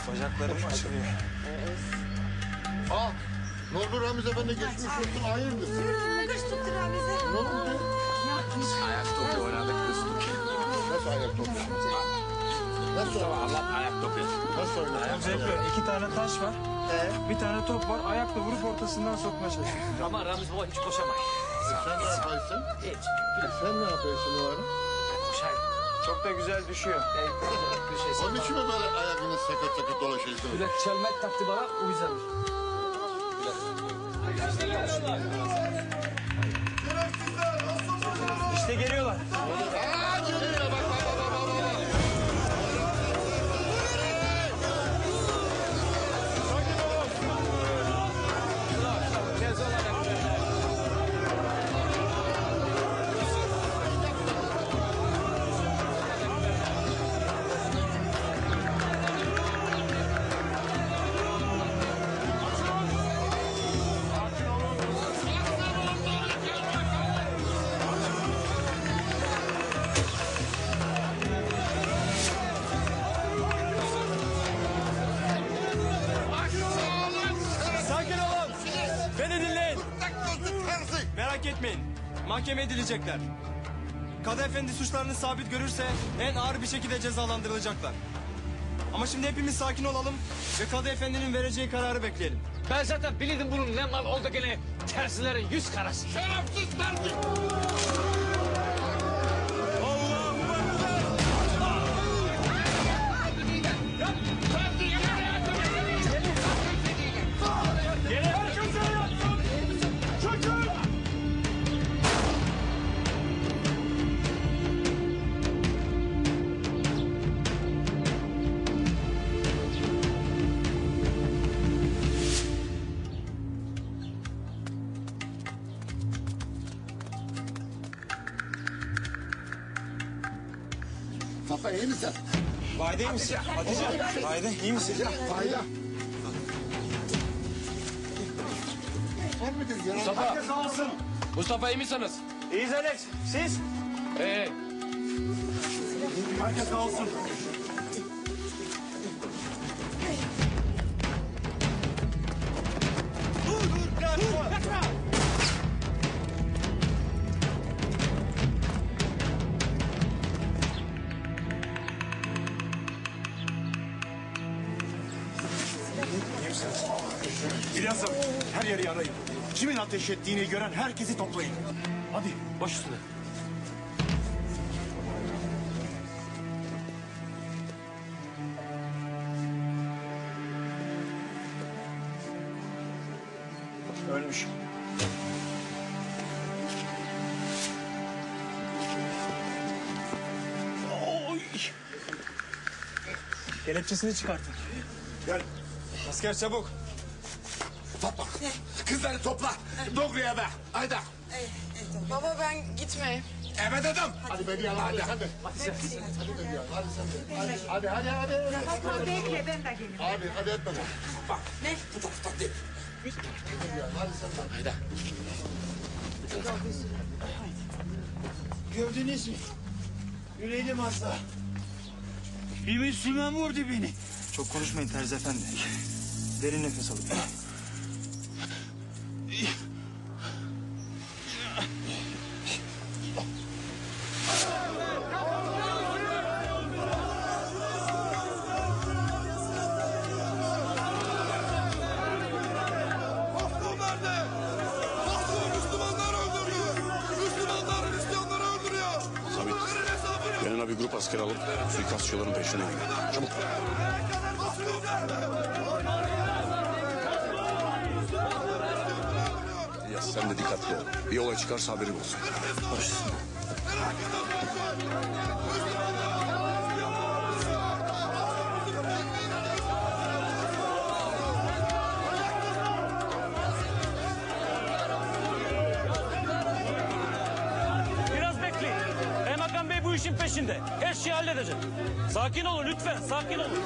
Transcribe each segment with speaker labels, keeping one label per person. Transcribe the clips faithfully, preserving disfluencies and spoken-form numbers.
Speaker 1: Bacaklarım açılıyor.
Speaker 2: Aa, ne oldu Ramiz Efendi, geçmiş olsun, hayırdır?
Speaker 3: Kış tuttu Ramiz'e.
Speaker 2: Ne oldu?
Speaker 1: Ayak topu oynadık kıstık.
Speaker 2: Nasıl ayak topu? Nasıl oynadı?
Speaker 1: Allah ayak topu.
Speaker 2: Nasıl oynadı?
Speaker 4: Zevkli. İki tane taş var.
Speaker 2: Ee?
Speaker 4: Bir tane top var. Ayakla vurup ortasından sokmaya çalışıyoruz.
Speaker 5: Ama Ramiz baba hiç koşamayız.
Speaker 2: Sen ne yaparsın?
Speaker 5: Hiç.
Speaker 2: Sen ne yapıyorsun o ara?
Speaker 5: Koşayım.
Speaker 4: Çok da güzel düşüyor.
Speaker 2: Onun için mi böyle ayakınız sakat sakat dolaşıyorsun?
Speaker 5: Böyle çelmek taktı bana o yüzden.
Speaker 4: İşte geliyorlar.
Speaker 2: Aa, geliyor, bak bak bak bak bak.
Speaker 4: Sakin olun. Beni dinleyin. Merak etmeyin. Mahkeme edilecekler. Kadı Efendi suçlarını sabit görürse en ağır bir şekilde cezalandırılacaklar. Ama şimdi hepimiz sakin olalım ve Kadı Efendi'nin vereceği kararı bekleyelim.
Speaker 5: Ben zaten bilirdim bunun ne mal oldu gene tersilerin yüz karası.
Speaker 2: Şerefsiz terzi! Safa, iyi misin?
Speaker 4: Vahide iyi misin? Hatice. Vahide iyi misin?
Speaker 2: Fayda. Var mıdır ya?
Speaker 5: Mustafa. Mustafa iyi misiniz?
Speaker 4: İyiyiz Alex. Siz?
Speaker 5: Ee,
Speaker 4: Herkes sağ olsun. Dur dur. Kaçma.
Speaker 6: İlyas'ım, her yeri arayın. Kimin ateş ettiğini gören herkesi toplayın.
Speaker 5: hadi baş üstüne.
Speaker 4: Ölmüş. Oy. Kelepçesini çıkartın.
Speaker 6: Gel.
Speaker 4: Asker çabuk.
Speaker 2: Topla. Kızları topla. Doğru eve. Haydi.
Speaker 3: Baba ben gitmeyeyim.
Speaker 2: Eve dedim. Hadi Bediye, hadi. Hadi. Hadi sen. Hadi Bediye, hadi sen de. Hadi hadi hadi. hadi.
Speaker 3: Baba bekle ben de geleyim.
Speaker 2: Abi hadi etme bak. Bak.
Speaker 3: Ne?
Speaker 2: Bu da tutak değil. Bediye, hadi sen de. Haydi.
Speaker 4: Gördünüz mü? Yüreğim hasta. Bir Müslüman vurdu beni. Çok konuşmayın Terzi Efendi. Derin nefes alın.
Speaker 7: Yanına bir grup asker alıp suikastçıların peşine gidin. Çabuk. Ya sen de dikkatli ol. Bir olay çıkarsa haberin olsun. Baş üstüne.
Speaker 5: Biraz bekleyin. Kaymakam Bey bu işin peşinde. Her şeyi halledecek. Sakin olun lütfen, sakin olun.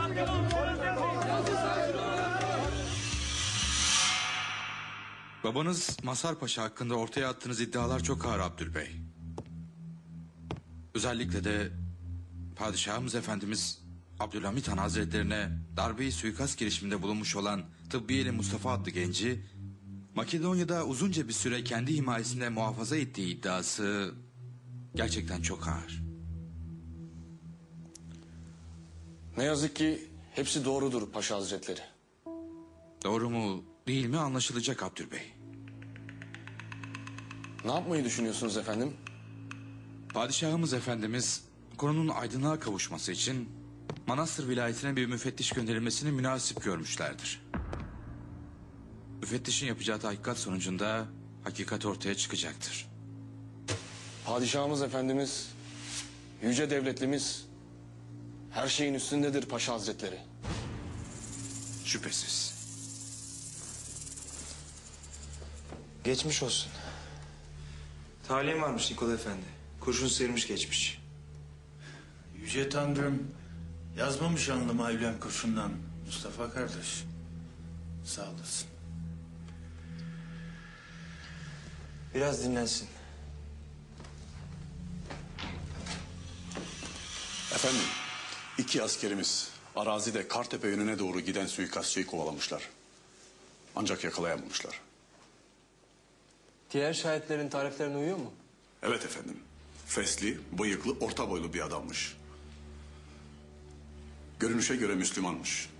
Speaker 8: Babanız Mazhar Paşa hakkında ortaya attığınız iddialar çok ağır Abdülbey. Özellikle de padişahımız efendimiz Abdülhamit Han Hazretlerine darbeyi suikast girişiminde bulunmuş olan Tıbbiyeli Mustafa adlı genci Makedonya'da uzunca bir süre kendi himayesinde muhafaza ettiği iddiası gerçekten çok ağır.
Speaker 7: Ne yazık ki hepsi doğrudur Paşa Hazretleri.
Speaker 8: Doğru mu değil mi anlaşılacak Abdülbey.
Speaker 7: Ne yapmayı düşünüyorsunuz efendim?
Speaker 8: Padişahımız Efendimiz konunun aydınlığa kavuşması için Manastır vilayetine bir müfettiş gönderilmesini münasip görmüşlerdir. Müfettişin yapacağı tahkikat sonucunda hakikat ortaya çıkacaktır.
Speaker 7: Padişahımız Efendimiz, yüce devletlimiz her şeyin üstündedir Paşa Hazretleri.
Speaker 8: Şüphesiz.
Speaker 9: Geçmiş olsun. Talim varmış Nikola Efendi. Kurşun sıyırmış geçmiş.
Speaker 6: Yüce Tanrım yazmamış alnıma evlen kurşundan Mustafa kardeş. Sağ olasın.
Speaker 9: Biraz dinlensin.
Speaker 7: Efendim, iki askerimiz arazide Kartepe yönüne doğru giden suikastçıyı kovalamışlar. Ancak yakalayamamışlar.
Speaker 4: Diğer şahitlerin tariflerine uyuyor mu?
Speaker 7: Evet efendim. Fesli, bıyıklı, orta boylu bir adammış. Görünüşe göre Müslümanmış.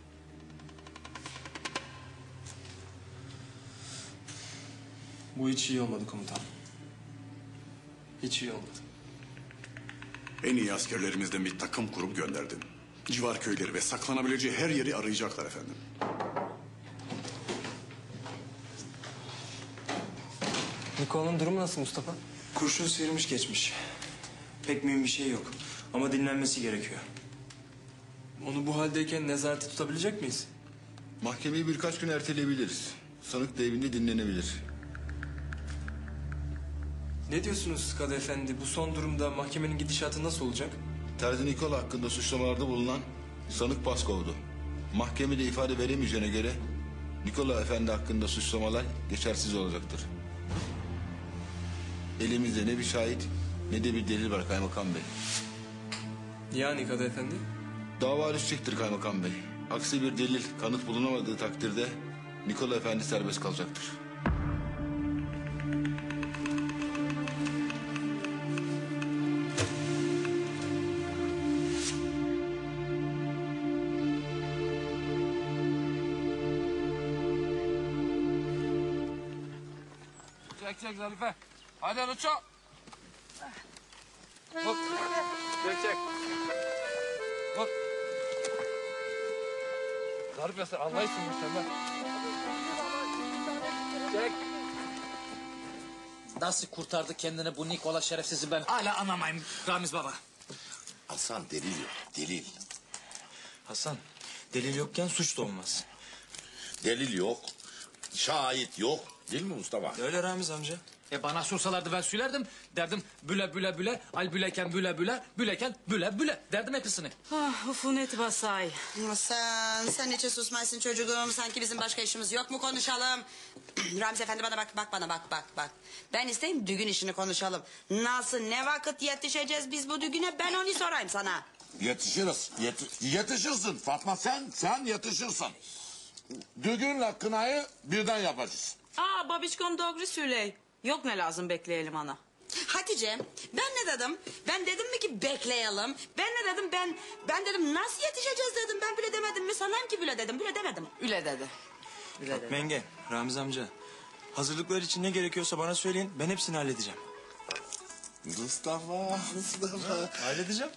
Speaker 4: Bu hiç iyi olmadı komutan. Hiç iyi olmadı.
Speaker 7: En iyi askerlerimizden bir takım kurup gönderdim. Civar köyleri ve saklanabileceği her yeri arayacaklar efendim.
Speaker 4: Nikola'nın durumu nasıl Mustafa?
Speaker 9: Kurşun sıyırmış geçmiş. Pek mühim bir şey yok. Ama dinlenmesi gerekiyor.
Speaker 4: Onu bu haldeyken nezarete tutabilecek miyiz?
Speaker 2: Mahkemeyi birkaç gün erteleyebiliriz. Sanık da evinde dinlenebilir.
Speaker 4: Ne diyorsunuz Kadı Efendi? Bu son durumda mahkemenin gidişatı nasıl olacak?
Speaker 2: Terzi Nikola hakkında suçlamalarda bulunan sanık Paskov'du. Mahkemede ifade veremeyeceğine göre Nikola Efendi hakkında suçlamalar geçersiz olacaktır. Elimizde ne bir şahit ne de bir delil var Kaymakam Bey.
Speaker 4: Yani Kadı Efendi?
Speaker 2: Dava düşecektir Kaymakam Bey. Aksi bir delil, kanıt bulunamadığı takdirde Nikola Efendi serbest kalacaktır.
Speaker 1: Çek çek Zarife. Hadi Rıço. Hop. Çek çek. Hop. Zarife sen anlayışsın sen be. Çek.
Speaker 10: Nasıl kurtardı kendini bu Nikola şerefsizi ben hala anlamayayım Ramiz baba.
Speaker 6: Hasan delil yok, delil.
Speaker 9: Hasan, delil yokken suç da olmaz.
Speaker 6: Delil yok, şahit yok. Değil mi Mustafa?
Speaker 9: Öyle Ramiz amca.
Speaker 10: E bana sorsalardı ben söylerdim. Derdim büle büle büle, al büleken büle büle, büleken büle büle. Derdim hepsini.
Speaker 3: Ah, ufunet basay.
Speaker 11: Sen, sen niçin susmaysın çocuğum? Sanki bizim başka işimiz yok mu konuşalım? Ramiz Efendi bana bak, bak bana bak, bak, bak. Ben isteyeyim düğün işini konuşalım. Nasıl, ne vakit yetişeceğiz biz bu düğüne? Ben onu sorayım sana.
Speaker 6: Yetişiriz, yeti- yetişirsin Fatma sen, sen yetişirsin. Düğünle kınayı birden yapacağız.
Speaker 3: Aa, babişkom doğru söyley. Yok ne lazım bekleyelim ana.
Speaker 11: Hatice, ben ne dedim? Ben dedim mi ki bekleyelim? Ben ne dedim? Ben ben dedim nasıl yetişeceğiz dedim. Ben bile demedim mi? Sanayım ki bile dedim. Bile demedim.
Speaker 3: Üle dedi. Üle dedi.
Speaker 9: Menge, Ramiz amca. Hazırlıklar için ne gerekiyorsa bana söyleyin. Ben hepsini halledeceğim.
Speaker 6: Mustafa, Mustafa.
Speaker 9: Halledeceğim.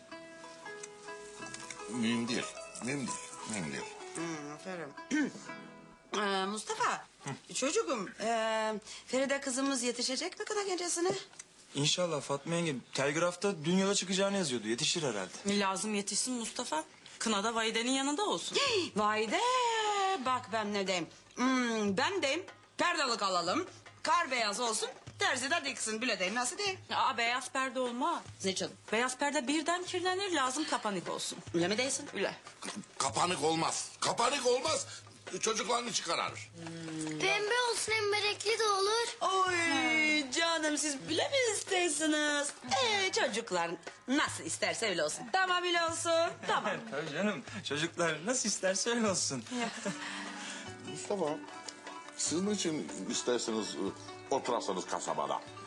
Speaker 6: Mühim değil, mühim değil, mühim değil.
Speaker 11: Hmm, aferin. Ee, Mustafa, çocuğum, e, Feride kızımız yetişecek mi kına gecesine?
Speaker 9: İnşallah Fatma yenge. Telgrafta dün yola çıkacağını yazıyordu. Yetişir herhalde.
Speaker 3: Lazım yetişsin Mustafa. Kınada Vaide'nin yanında olsun.
Speaker 11: Vay de, bak ben ne diyeyim. Hmm, ben deyim, perdelik alalım, kar beyaz olsun, terzi de diksin. Bile deyim, nasıl diyeyim?
Speaker 3: Aa, beyaz perde olmaz.
Speaker 11: Niçin?
Speaker 3: Beyaz perde birden kirlenir, lazım kapanik olsun.
Speaker 11: Öyle mi değilsin?
Speaker 3: Üle.
Speaker 6: Kapanık olmaz, kapanık olmaz. Çocuklarını çıkarır.
Speaker 12: Pembe olsun hem berekli de olur.
Speaker 11: Oy Ay canım siz bile mi istersiniz? Ee, çocuklar nasıl isterse öyle olsun. Tamam öyle olsun. Tamam.
Speaker 9: Tabii canım. Çocuklar nasıl isterse öyle olsun.
Speaker 12: Mustafa, siz niçin isterseniz e, oturasınız kasabada?